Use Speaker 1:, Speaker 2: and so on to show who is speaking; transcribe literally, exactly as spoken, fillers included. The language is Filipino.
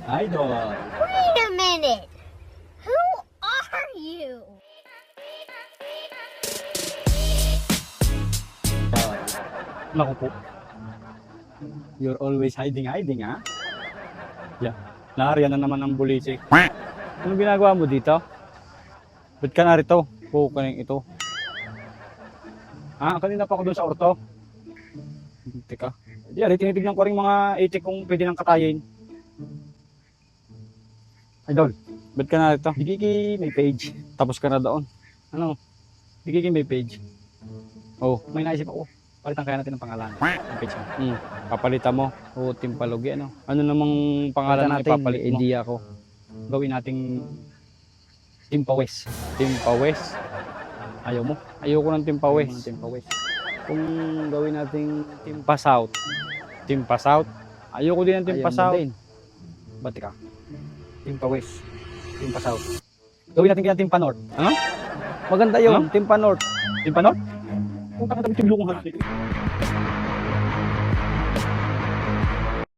Speaker 1: Idol.
Speaker 2: Wait a minute. Who are you?
Speaker 1: Naku po. You're always hiding, hiding, ha? Yeah. Naariyan na naman ang bulisik. Anong ginagawa mo dito? Ba't ka narito? Po, kaning ito. Ah, kanina pa ako doon sa orto. Teka. Di, ari, tinitignan ko rin mga itik kung pwede nang katayin. Idol, ba't ka narito? Di Kiki, may page. Tapos ka na doon. Ano? Di Kiki, may page. Oh, may naisip ako. Palitan kaya natin ng pangalan. Ang page mo. Hmm. Papalitan mo. O, Timpalugi, ano? Ano namang pangalan na ipapalit mo? Idea ko. Gawin nating Timpawes. Timpawes. Ayaw mo? Ayoko ng Timpawes. Timpawes. Kung gawin nating Timpa South. Timpa South. Ayoko din ng Timpa South. Ba't ka? Timpa West. Timpa South. Gawin natin kaya Timpa North. Ano? Maganda yun. Ano? Timpa North. Timpa North? Kung kakadamit yung lukong halos dito.